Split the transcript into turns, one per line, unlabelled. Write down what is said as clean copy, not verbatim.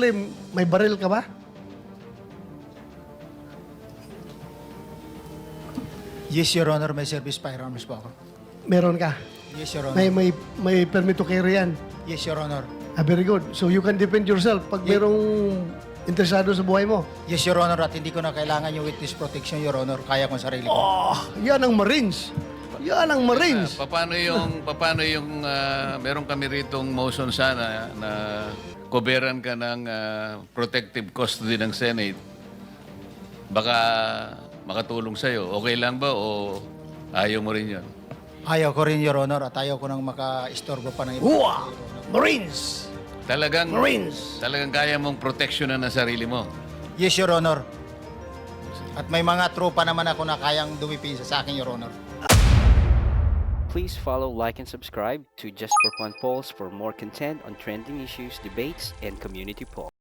Secondly, may baril ka ba?
Yes, Your Honor, may service firearms po ako.
Meron ka.
Yes, Your Honor.
May permit to carry yan.
Yes, Your Honor.
Very good. So you can defend yourself pag merong interesado sa buhay mo.
Yes, Your Honor, at hindi ko na kailangan yung witness protection, Your Honor. Kaya ko ang sarili ko.
Oh, yan ang Marines. Yan ang Marines.
Paano yung meron kami ritong motion sana na koberan ka ng protective custody ng Senate. Baka makatulong sa'yo. Okay lang ba o ayaw mo rin yun?
Ayaw ko rin, Your Honor, at ayaw ko nang maka-istorbo pa ng iba.
Uwa! Marines!
Talagang
Marines!
kaya mong proteksyonan ang sarili mo.
Yes, Your Honor. At may mga tropa naman ako na kayang dumipisa sa akin, Your Honor.
Please follow, like, and subscribe to Just for Fun Polls for more content on trending issues, debates, and community polls.